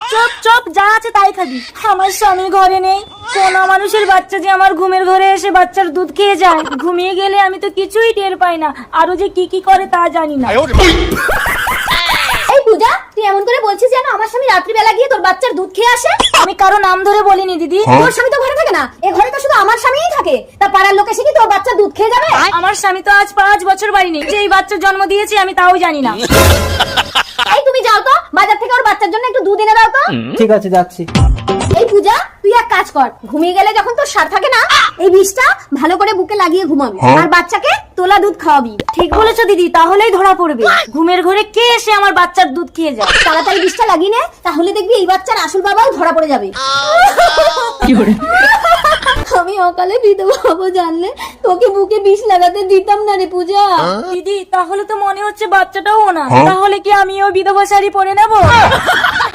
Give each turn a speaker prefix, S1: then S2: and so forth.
S1: চুপ চুপ, যা আছে তাই খাবি। আমার স্বামী ঘরে নেই, কোনা মানুষের বাচ্চা যে আমার ঘুমের ঘরে এসে বাচ্চার দুধ খেয়ে যায়, ঘুমিয়ে গেলে আমি তো কিছুই টের পাই না, আরো যে কি কি করে তা জানি না।
S2: এই পূজা, তুই এমন করে বলছিস যেন আমার স্বামী রাত্রিবেলা গিয়ে তোর বাচ্চার দুধ খেয়ে আসে।
S1: আমি কারো নাম ধরে বলিনি দিদি।
S2: তোর স্বামী তো ঘরে থাকে না, এ ঘরে তো শুধু আমার স্বামীই থাকে। তা পাড়ার লোক এসে কি তোর বাচ্চা দুধ খেয়ে যাবে?
S1: আমার স্বামী তো আজ 5 বছর বাড়ি নেই, যে এই বাচ্চার জন্ম দিয়েছি আমি তাও জানি না।
S2: এই তুমি যাও তো বাজার থেকে ওর বাচ্চার জন্য একটু দুধ এনে দাও তো।
S3: ঠিক আছে, যাচ্ছি।
S2: এই পূজা, তুই এক কাজ কর, ঘুমিয়ে গেলে যখন তোর সার থাকে না, এই বিষটা ভালো করে বুকে লাগিয়ে ঘুমাবি আর বাচ্চাকে তোলা দুধ খাওয়াবি।
S1: ঠিক বলেছো দিদি, তাহলেই ধরা পড়বে ঘুমের ঘরে কে এসে আমার বাচ্চার দুধ খেয়ে যায়।
S2: তাড়াতাড়ি বিষটা লাগিয়ে নে, তাহলে দেখবি এই বাচ্চার আসল বাবাও ধরা পড়ে যাবে। আমি অকালে বিধবা হবো জানলে তোকে বুকে বিষ লাগাতে দিতাম না রে পূজা।
S1: দিদি তাহলে তো মনে হচ্ছে বাচ্চাটাও না, তাহলে কি আমিও বিধবা শাড়ি পরে নেবো?